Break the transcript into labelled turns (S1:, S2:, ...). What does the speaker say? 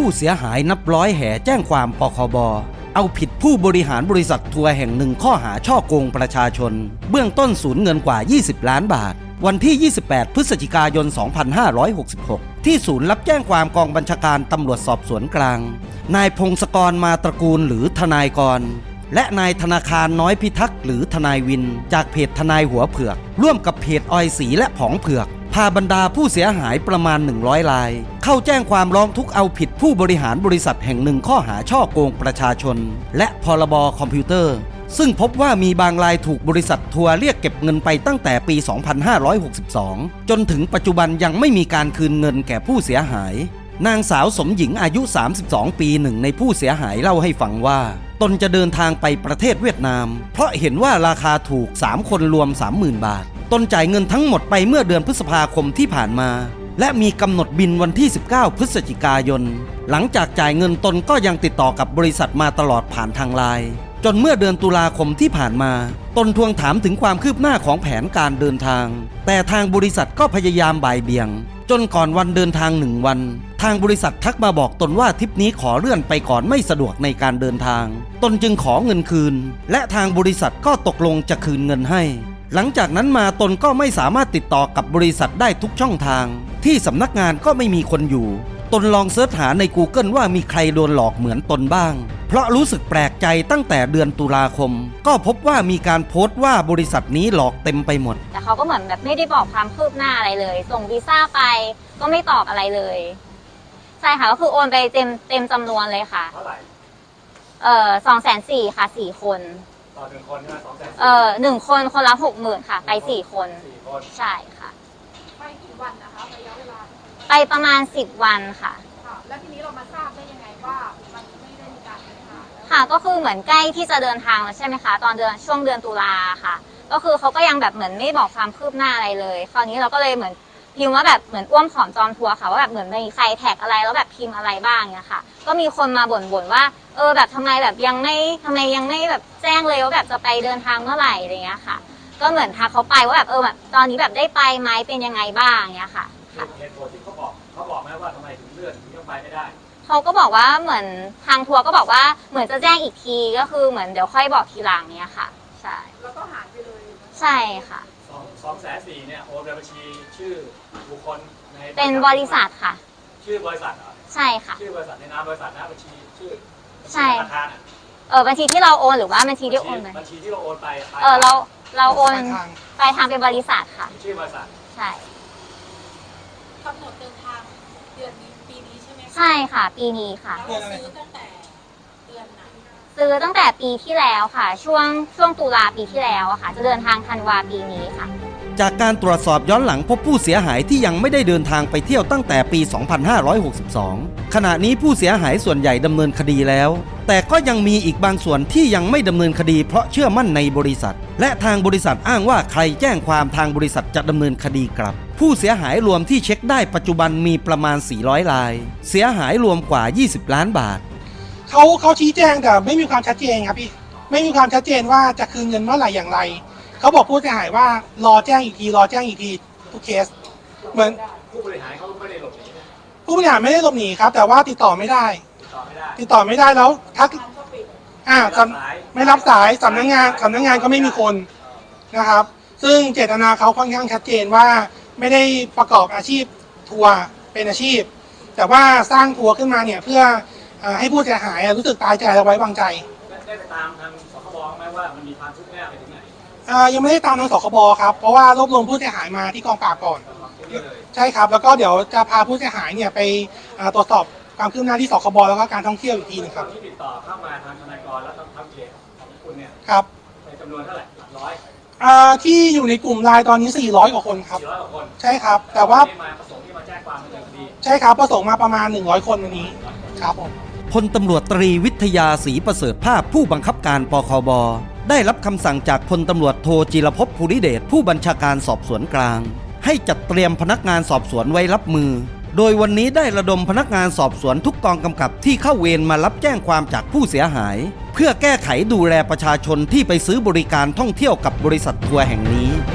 S1: ผู้เสียหายนับร้อยแห่แจ้งความปคบ.เอาผิดผู้บริหารบริษัททัวร์แห่งหนึ่งข้อหาฉ้อโกงประชาชนเบื้องต้นสูญเงินกว่า20 ล้านบาทวันที่ 28 พฤศจิกายน 2566 ที่ศูนย์รับแจ้งความกองบัญชาการตำรวจสอบสวนกลางนายพงศกรมาตระกูลหรือทนายกรและนายธนาคารน้อยพิทักษ์หรือทนายวินจากเพจทนายหัวเผือกร่วมกับเพจออยสีและผองเผือกพาบรรดาผู้เสียหายประมาณ100 รายเข้าแจ้งความร้องทุกข์เอาผิดผู้บริหารบริษัทแห่งหนึ่งข้อหาฉ้อโกงประชาชนและพรบคอมพิวเตอร์ซึ่งพบว่ามีบางรายถูกบริษัททัวร์เรียกเก็บเงินไปตั้งแต่ปี 2562 จนถึงปัจจุบันยังไม่มีการคืนเงินแก่ผู้เสียหายนางสาวสมหญิงอายุ32 ปีหนึ่งในผู้เสียหายเล่าให้ฟังว่าตนจะเดินทางไปประเทศเวียดนามเพราะเห็นว่าราคาถูก3 คนรวม 30,000 บาทตนจ่ายเงินทั้งหมดไปเมื่อเดือนพฤษภาคมที่ผ่านมาและมีกำหนดบินวันที่ 19 พฤศจิกายนหลังจากจ่ายเงินตนก็ยังติดต่อกับบริษัทมาตลอดผ่านทางไลน์จนเมื่อเดือนตุลาคมที่ผ่านมาตนทวงถามถึงความคืบหน้าของแผนการเดินทางแต่ทางบริษัทก็พยายามบ่ายเบี่ยงจนก่อนวันเดินทาง1 วันทางบริษัททักมาบอกตนว่าทริปนี้ขอเลื่อนไปก่อนไม่สะดวกในการเดินทางตนจึงขอเงินคืนและทางบริษัทก็ตกลงจะคืนเงินให้หลังจากนั้นมาตนก็ไม่สามารถติดต่อกับบริษัทได้ทุกช่องทางที่สำนักงานก็ไม่มีคนอยู่ตนลองเสิร์ชหาใน Google ว่ามีใครโดนหลอกเหมือนตนบ้างเพราะรู้สึกแปลกใจตั้งแต่เดือนตุลาคมก็พบว่ามีการโพสต์ว่าบริษัทนี้หลอกเต็มไปหมด
S2: แต่เขาก็เหมือนแบบไม่ได้บอกความคืบหน้าอะไรเลยส่งวีซ่าไปก็ไม่ตอบอะไรเลยใช่ค่ะก็คือโอนไปเต็มจำนวนเลยค่ะ
S3: เท่าไหร่
S2: 240,000ค่ะ4 คน
S3: ต่อ1 คนใช่ไหม
S2: 1 คนคนละ60,000ค่ะไป4 คนใช่ค่ะ
S4: ไปกี่วันนะคะระยะเวลา
S2: ไปประมาณ10 วันค่ะ
S4: แล้วทีนี้เรามาทราบได้ยังไงว่ามันไม่ได้มีการเดินทาง
S2: ค่ะก็คือเหมือนใกล้ที่จะเดินทางแล้วใช่ไหมคะตอนช่วงเดือนตุลาค่ะก็คือเขาก็ยังแบบเหมือนไม่บอกความคืบหน้าอะไรเลยคราวนี้เราก็เลยเหมือนพิมพ์ว่าแบบเหมือนอ้วมผอมจอมทัวร์ค่ะว่าแบบเหมือนมีใครแท็กอะไรแล้วแบบพิมพ์อะไรบ้างเนี่ยค่ะก็มีคนมาบ่นว่าแบบทำไมแบบยังไม่แบบแจ้งเลยว่าแบบจะไปเดินทางเมื่อไหร่อะไรเงี้ยค่ะก็เหมือนทักเขาไปว่าแบบแบบตอนนี้แบบได้ไปไหมเป็นยังไงบ้างเนี่ยค่ะ
S3: เหตุผลที่เขาบอกไหมว่าทำไมถึงเลื่อนถึงยังไปไม่ได้
S2: เขาก็บอกว่าเหมือนทางทัวร์ก็บอกว่าเหมือนจะแจ้งอีกทีก็คือเหมือนเดี๋ยวค่อยบอกทีหลังเนี่ยค่ะใช่
S4: แล้วก็หายไปเลย
S2: ใช่ค่ะ
S3: 240,000เนี่ยโอนไปบัญชีชื่อบุคคลใน
S2: เป็นบริษัทค่ะ
S3: ชื่อบริษัทเหรอ
S2: ใช่ค่ะ
S3: ชื่อบริษัทในนามบริษัทนะบัญชีชื่อ
S2: ใช่
S3: ธนาคาร
S2: บัญชีที่เราโอนหรือว่าบัญชีที่โอนไป
S3: บัญชีที่เราโอนไป
S2: เราโอนไปทางเป็นบริษัทค่ะ
S3: ชื่อบริษัท
S2: ใช่
S4: กำหนดเดินทางเดือนนี้ปีนี้ใช่ไหม
S2: ใช่ค่ะปีนี้ค่ะ
S4: ซื้อตั้งแต่เดือนไหน
S2: ซื้อตั้งแต่ปีที่แล้วค่ะช่วงตุลาปีที่แล้วค่ะจะเดินทางธันวาปีนี้ค่ะ
S1: จากการตรวจสอบย้อนหลังพบผู้เสียหายที่ยังไม่ได้เดินทางไปเที่ยวตั้งแต่ปี 2562 ขณะนี้ผู้เสียหายส่วนใหญ่ดำเนินคดีแล้วแต่ก็ยังมีอีกบางส่วนที่ยังไม่ดำเนินคดีเพราะเชื่อมั่นในบริษัทและทางบริษัทอ้างว่าใครแจ้งความทางบริษัทจะดำเนินคดีกลับผู้เสียหายรวมที่เช็คได้ปัจจุบันมีประมาณ400 รายเสียหายรวมกว่า20 ล้านบาท
S5: เขาชี้แจงแต่ไม่มีความชัดเจนครับพี่ไม่มีความชัดเจนว่าจะคืนเงินเมื่อไหร่อย่างไรเขาบอกผู้เสียหายว่ารอแจ้งอีกทีทุกเคสเหมือน
S3: ผู้บริหารเขาไม่ได้หลบหนี
S5: ผู้บริหารไม่ได้หลบหนีครับแต่ว่าติดต่อไม่ได้แล้วทักไม่รับสายสำนักงานก็ไม่มีคนนะครับซึ่งเจตนาเขาค่อนข้างชัดเจนว่าไม่ได้ประกอบอาชีพทัวร์เป็นอาชีพแต่ว่าสร้างทัวร์ขึ้นมาเนี่ยเพื่อให้ผู้เสียหายรู้สึกตายใจและไว้วางใจ
S3: ได้ไปตามทางสคบไหมว่ามันมีความคืบหน้าไปถึงไหน
S5: ยังไม่ได้ตามทางสคบครับเพราะว่ารวบรวมผู้เสียหายมาที่กองปราบก่อนใช่ครับแล้วก็เดี๋ยวจะพาผู้เสียหายเนี่ยไปตรวจสอบความคืบหน้าที่สคบแล้วก็การท่องเที่ยวอีกทีนึงครับ
S3: ที่ติดต่อเข้ามาทางทนายกรแล้วทางเพจของคุณเนี่ย
S5: ครับ
S3: ในจำนวนเท่าไหร่หลักร้อย
S5: ที่อยู่ในกลุ่มไลน์ตอนนี้400 กว่าคนครับ
S3: 400 กว่าคน
S5: ใช่ครับแต่ว่า
S3: ประสงค์ที่มาแจ้งความดำเนินคดี
S5: ใช่ครับประสงค์มาประมาณ100 คนวันนี้ครับผม
S1: พลตำรวจตรีวิทยาศรีประเสริฐภาพผู้บังคับการปคบ.ได้รับคำสั่งจากพลตำรวจโทจิรภพ ภูริเดชผู้บัญชาการสอบสวนกลางให้จัดเตรียมพนักงานสอบสวนไว้รับมือโดยวันนี้ได้ระดมพนักงานสอบสวนทุกกองกำกับที่เข้าเวรมารับแจ้งความจากผู้เสียหายเพื่อแก้ไขดูแลประชาชนที่ไปซื้อบริการท่องเที่ยวกับบริษัททัวร์แห่งนี้